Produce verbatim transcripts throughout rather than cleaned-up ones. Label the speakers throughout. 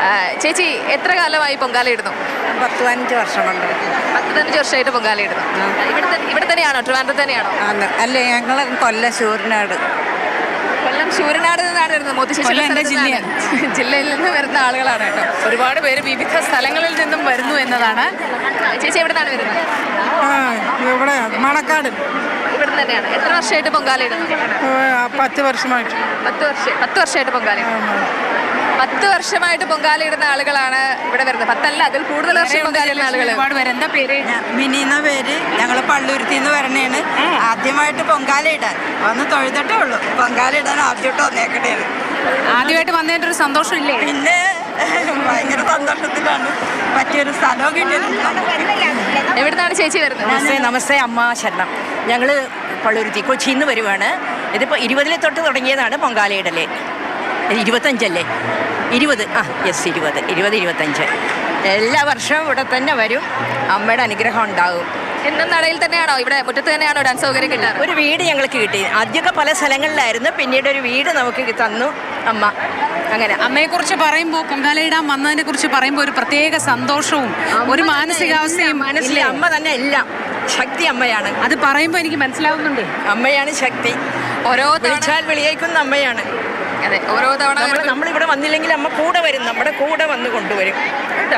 Speaker 1: ചേച്ചി എത്ര കാലമായി പൊങ്കാലയിടുന്നു?
Speaker 2: പത്ത് പതിനഞ്ച് വർഷം കൊണ്ട്.
Speaker 1: പത്ത് പതിനഞ്ച് വർഷമായിട്ട് പൊങ്കാലയിടുന്നു. ഇവിടെ ഇവിടെ തന്നെയാണോ, ട്രിവാൻഡ്രത്ത് തന്നെയാണോ?
Speaker 2: അല്ലേ, ഞങ്ങൾ കൊല്ലം ശൂരനാട്.
Speaker 1: കൊല്ലം ശൂരനാട് നിന്നാണ് വരുന്നത്. മുത്തശ്ശി എൻ്റെ ജില്ലയാണ്. ജില്ലയിൽ നിന്ന് വരുന്ന ആളുകളാണ് കേട്ടോ.
Speaker 3: ഒരുപാട് പേര് വിവിധ സ്ഥലങ്ങളിൽ നിന്നും വരുന്നു എന്നതാണ്.
Speaker 1: ചേച്ചി എവിടെ നിന്നാണ് വരുന്നത്?
Speaker 2: ഇവിടെ മണക്കാട്.
Speaker 1: ഇവിടെ തന്നെയാണ്. എത്ര വർഷമായിട്ട് പൊങ്കാലയിടുന്നു?
Speaker 2: പത്ത് വർഷമായിട്ട്.
Speaker 1: പത്ത് വർഷം പത്ത് വർഷമായിട്ട് പൊങ്കാല പത്ത് വർഷമായിട്ട് പൊങ്കാലയിടുന്ന ആളുകളാണ് ഇവിടെ വരുന്നത്. പത്തല്ല, അതിൽ കൂടുതൽ വർഷം പൊങ്കാലയിടുന്ന ആളുകൾ
Speaker 3: ഒരുപാട് പേര്. എന്താ പേര്?
Speaker 2: മിനി എന്ന പേര്. ഞങ്ങൾ പള്ളുരുത്തി എന്ന് വരണേണ്. ആദ്യമായിട്ട് പൊങ്കാല ഇടാൻ വന്ന് തൊഴുതിട്ടേ ഉള്ളൂ. പൊങ്കാല ഇടാൻ ആദ്യമായിട്ട് വന്നേക്കണേന്.
Speaker 3: ആദ്യമായിട്ട് വന്നതിൻ്റെ ഒരു സന്തോഷം ഇല്ലേ?
Speaker 2: പിന്നെ ഭയങ്കര സന്തോഷത്തിലാണ്. പറ്റിയൊരു സ്ഥലവും കിട്ടിയത്.
Speaker 1: എവിടുന്നാണ് ചേച്ചി വരുന്നത്?
Speaker 4: നമസ്തേ. നമസ്തേ അമ്മ ശരണം. ഞങ്ങൾ പള്ളുരുത്തി കൊച്ചിയിൽ നിന്ന് വരുവാണ്. ഇതിപ്പോൾ ഇരുപതിലെ തൊട്ട് തുടങ്ങിയതാണ് പൊങ്കാലയിടല്. ഇരുപത്തഞ്ചല്ലേ? ഇരുപത്. ആ യെസ്, ഇരുപത് ഇരുപത് ഇരുപത്തഞ്ച് എല്ലാ വർഷവും ഇവിടെ തന്നെ വരും. അമ്മയുടെ അനുഗ്രഹം ഉണ്ടാകും.
Speaker 1: എന്നും നടയിൽ തന്നെയാണോ, ഇവിടെ മുറ്റത്ത് തന്നെയാണോ ഡാൻസ് സൗകര്യം കിട്ടാറ്?
Speaker 4: ഒരു വീട് ഞങ്ങൾക്ക് കിട്ടി. ആദ്യമൊക്കെ പല സ്ഥലങ്ങളിലായിരുന്നു, പിന്നീട് ഒരു വീട് നമുക്ക് തന്നു അമ്മ. അങ്ങനെ
Speaker 3: അമ്മയെക്കുറിച്ച് പറയുമ്പോൾ, പൊങ്കാലയിടാൻ വന്നതിനെ കുറിച്ച് പറയുമ്പോൾ ഒരു പ്രത്യേക സന്തോഷവും ഒരു മാനസികാവസ്ഥയും
Speaker 4: മനസ്സിൽ അമ്മ തന്നെ എല്ലാം. ശക്തി അമ്മയാണ്.
Speaker 3: അത് പറയുമ്പോൾ എനിക്ക് മനസ്സിലാവുന്നുണ്ട്.
Speaker 4: അമ്മയാണ് ശക്തി.
Speaker 1: ഓരോ
Speaker 4: വിളിച്ചാൽ വിളിയേക്കുന്ന അമ്മയാണ്.
Speaker 1: അതെ, ഓരോ തവണ
Speaker 4: നമ്മളിവിടെ വന്നില്ലെങ്കിൽ അമ്മ കൂടെ വരും, നമ്മുടെ കൂടെ വന്ന് കൊണ്ടുവരും കേട്ടോ.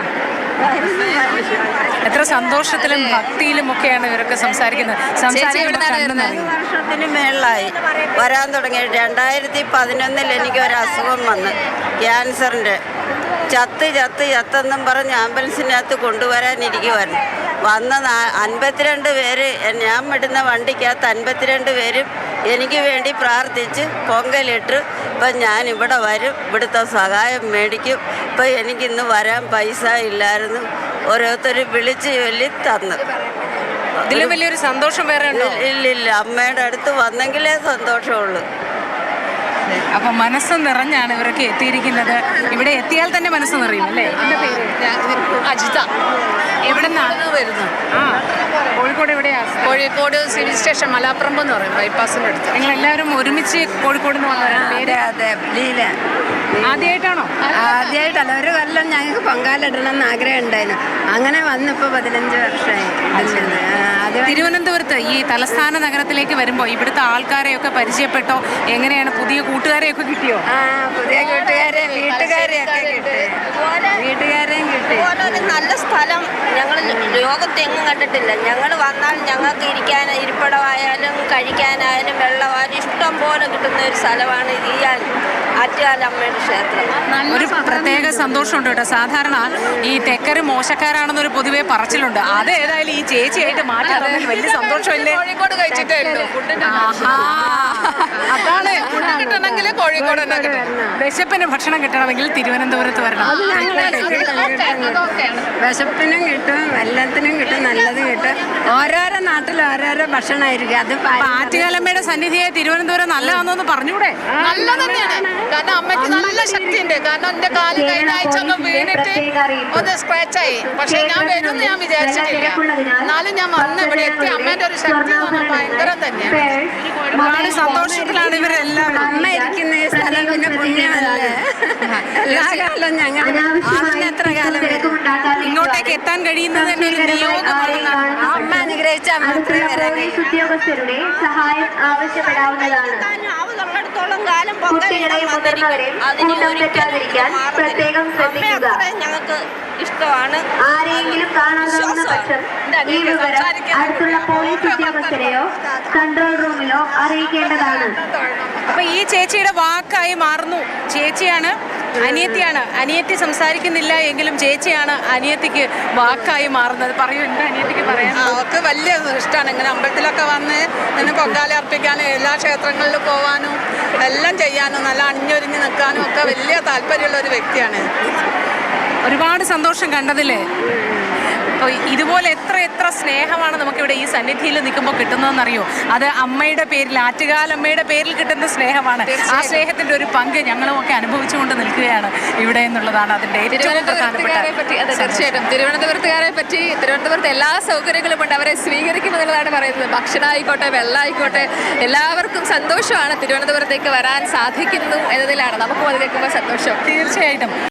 Speaker 3: എത്ര സന്തോഷത്തിലും ഭക്തിയിലും ഒക്കെയാണ് ഇവരൊക്കെ സംസാരിക്കുന്നത്.
Speaker 2: വർഷത്തിന് മേളിലായി വരാൻ തുടങ്ങി. രണ്ടായിരത്തി പതിനൊന്നിൽ എനിക്ക് ഒരു അസുഖം വന്ന്, ക്യാൻസറിൻ്റെ. ചത്ത് ചത്ത് ചത്തെന്നും പറഞ്ഞ് ആംബുലൻസിനകത്ത് കൊണ്ടുവരാനിരിക്കുമായിരുന്നു. വന്ന അൻപത്തിരണ്ട് പേര്, ഞാൻ വിടുന്ന വണ്ടിക്കകത്ത് അൻപത്തിരണ്ട് പേരും എനിക്ക് വേണ്ടി പ്രാർത്ഥിച്ച് പൊങ്കലിട്ട്. ഇപ്പം ഞാൻ ഇവിടെ വരും, ഇവിടുത്തെ സഹായം മേടിക്കും. ഇപ്പം എനിക്കിന്ന് വരാൻ പൈസ ഇല്ലായിരുന്നു. ഓരോരുത്തർ വിളിച്ച് ചൊല്ലി തന്നു.
Speaker 3: ഇതിലും വലിയൊരു സന്തോഷം വേറെ ഉണ്ടോ?
Speaker 2: ഇല്ലില്ല, അമ്മയുടെ അടുത്ത് വന്നെങ്കിലേ സന്തോഷമുള്ളൂ.
Speaker 3: അപ്പം മനസ്സ് നിറഞ്ഞാണ് ഇവരൊക്കെ എത്തിയിരിക്കുന്നത്. ഇവിടെ എത്തിയാൽ തന്നെ മനസ്സ് നിറയും അല്ലേ? എൻ്റെ പേര്
Speaker 1: അജിത.
Speaker 3: എവിടെ നിന്നാണ് വരുന്നത്? ആ, കോഴിക്കോട് എവിടെയാണ്?
Speaker 1: കോഴിക്കോട് സിവിൽ സ്റ്റേഷൻ മലാപ്പറമ്പ് എന്ന് പറയും, ബൈപ്പാസിൻ്റെ അടുത്ത്.
Speaker 3: നിങ്ങൾ എല്ലാവരും ഒരുമിച്ച് കോഴിക്കോട് നിന്ന് വന്നവരാണ്. പേര്?
Speaker 2: അതെ, ലീല.
Speaker 3: ആദ്യമായിട്ടാണോ?
Speaker 2: ആദ്യമായിട്ടല്ല, ഒരു കൊല്ലം ഞങ്ങൾക്ക് പൊങ്കാലിടണം എന്ന് ആഗ്രഹം ഉണ്ടായിരുന്നു. അങ്ങനെ വന്നിപ്പോൾ പതിനഞ്ച് വർഷമായി.
Speaker 3: തിരുവനന്തപുരത്ത് ഈ തലസ്ഥാന നഗരത്തിലേക്ക് വരുമ്പോൾ ഇവിടുത്തെ ആൾക്കാരെയൊക്കെ പരിചയപ്പെട്ടോ? എങ്ങനെയാണ്? പുതിയ കൂട്ടുകാരെയൊക്കെ കിട്ടിയോ?
Speaker 2: ആ, പുതിയ കൂട്ടുകാരെ, വീട്ടുകാരെയൊക്കെ കിട്ടി. വീട്ടുകാരെയും കിട്ടി.
Speaker 5: ഒരു നല്ല സ്ഥലം ഞങ്ങൾ ലോകത്തെങ്ങും കണ്ടിട്ടില്ല. ഞങ്ങൾ വന്നാൽ ഞങ്ങൾക്ക് ഇരിക്കാൻ ഇരിപ്പിടമായാലും കഴിക്കാനായാലും വെള്ളമായാലും ഇഷ്ടം പോലെ കിട്ടുന്ന ഒരു സ്ഥലമാണ് ഈ ആറ്റുകാലമ്മയുടെ ക്ഷേത്രം.
Speaker 3: ഒരു പ്രത്യേക സന്തോഷമുണ്ട് കേട്ടോ. സാധാരണ ഈ തെക്കര് മോശക്കാരാണെന്നൊരു പൊതുവെ പറച്ചിലുണ്ട്. അത് ഏതായാലും ഈ ചേച്ചിയായിട്ട് മാറ്റി തന്നതിൽ വലിയ സന്തോഷമല്ലേ?
Speaker 1: കോഴിക്കോട് കഴിച്ചിട്ടേ ഉള്ളൂ.
Speaker 3: അതാണ് കിട്ടണമെങ്കിൽ കോഴിക്കോട് തന്നെ കിട്ടണം. വിശപ്പിന് ഭക്ഷണം കിട്ടണമെങ്കിൽ തിരുവനന്തപുരത്ത് വരണം.
Speaker 2: വിശപ്പിനും കിട്ടും, എല്ലാത്തിനും കിട്ടും, നല്ലത് കിട്ടും. ഓരോരോ നാട്ടിൽ ഓരോരോ ഭക്ഷണമായിരിക്കും. അത്
Speaker 3: ആറ്റുകാലമ്മയുടെ സന്നിധിയെ തിരുവനന്തപുരം നല്ലതാണെന്ന് പറഞ്ഞൂടെ?
Speaker 1: നല്ല തന്നെയാണ്. കാരണം അമ്മയ്ക്ക് നല്ല ശക്തിയുണ്ട്. കാരണം എന്റെ കാല് കഴിഞ്ഞ ആഴ്ച ഒന്ന് വീണിട്ട് ഒന്ന് സ്ക്രാച്ച് ആയി. പക്ഷെ ഞാൻ വരുമെന്ന് ഞാൻ വിചാരിച്ചിട്ടില്ല. എന്നാലും ഞാൻ വന്ന് ഇവിടെ എത്തി. അമ്മേന്റെ ഒരു ശക്തി ഭയങ്കരം തന്നെയാണ്.
Speaker 3: ഒരുപാട് സന്തോഷത്തിലാണ് ഇവരെല്ലാം.
Speaker 2: അമ്മ ഇരിക്കുന്ന ഈ സ്ഥലം പിന്നെ പുണ്യമല്ലേ. എല്ലാ കാലം ഞങ്ങൾ എത്ര കാലം
Speaker 3: ഇങ്ങോട്ടേക്ക് എത്താൻ കഴിയുന്നത് തന്നെ ഒരു നിയോഗമാണ്.
Speaker 2: അമ്മ അനുഗ്രഹിച്ചാൽ മാത്രമേ വരാൻ കഴിയൂ.
Speaker 6: ഉദ്യോഗസ്ഥരുടെ സഹായം ആവശ്യപ്പെടാവുന്നതാണ്.
Speaker 5: ആവുന്നിടത്തോളം കാലം പൊങ്കലിടാൻ
Speaker 6: പ്രത്യേകം ശ്രദ്ധിക്കുക.
Speaker 5: ഞങ്ങൾക്ക് ഇഷ്ടമാണ്.
Speaker 6: ആരെങ്കിലും കാണാതാവുന്ന പക്ഷം ഈ വിവരം അടുത്തുള്ള പോലീസ് ഉദ്യോഗസ്ഥരെയോ കൺട്രോൾ റൂമിലോ അറിയിക്കേണ്ടതാണ്.
Speaker 3: അപ്പൊ ഈ ചേച്ചിയുടെ വാക്കായി മാറുന്നു. ചേച്ചിയാണ്, അനിയത്തിയാണ്. അനിയത്തി സംസാരിക്കുന്നില്ല എങ്കിലും ചേച്ചിയാണ് അനിയത്തിക്ക് വാക്കായി മാറുന്നത്. പറയൂ, എന്താ അനിയത്തിക്ക് പറയാൻ?
Speaker 7: അവർക്ക് വലിയ ഇഷ്ടമാണ് ഇങ്ങനെ അമ്പലത്തിലൊക്കെ വന്ന് നിന്ന് പൊങ്കാല അർപ്പിക്കാനും എല്ലാ ക്ഷേത്രങ്ങളിലും പോകാനും എല്ലാം ചെയ്യാനും നല്ല അണിഞ്ഞൊരിഞ്ഞ് നിൽക്കാനും ഒക്കെ വലിയ താല്പര്യമുള്ള ഒരു വ്യക്തിയാണ്.
Speaker 3: ഒരുപാട് സന്തോഷം കണ്ടതില്ലേ? അപ്പോൾ ഇതുപോലെ എത്ര എത്ര സ്നേഹമാണ് നമുക്കിവിടെ ഈ സന്നിധിയിൽ നിൽക്കുമ്പോൾ കിട്ടുന്നതെന്നറിയോ? അത് അമ്മയുടെ പേരിൽ, ആറ്റുകാലമ്മയുടെ പേരിൽ കിട്ടുന്ന സ്നേഹമാണ്. ആ സ്നേഹത്തിൻ്റെ ഒരു പങ്ക് ഞങ്ങളുമൊക്കെ അനുഭവിച്ചുകൊണ്ട് നിൽക്കുകയാണ് ഇവിടെ എന്നുള്ളതാണ് അതിൻ്റെ ഏറ്റവും പ്രധാനപ്പെട്ട.
Speaker 1: തീർച്ചയായിട്ടും തിരുവനന്തപുരത്തുകാരെ പറ്റി, തിരുവനന്തപുരത്ത് എല്ലാ സൗകര്യങ്ങളും ഉണ്ട്. അവരെ സ്വീകരിക്കുമെന്നുള്ളതാണ് പറയുന്നത്. ഭക്ഷണം ആയിക്കോട്ടെ, വെള്ളം ആയിക്കോട്ടെ, എല്ലാവർക്കും സന്തോഷമാണ്. തിരുവനന്തപുരത്തേക്ക് വരാൻ സാധിക്കുന്നു എന്നതിലാണ് നമുക്കും അത് കേൾക്കുമ്പോൾ സന്തോഷം.
Speaker 3: തീർച്ചയായിട്ടും.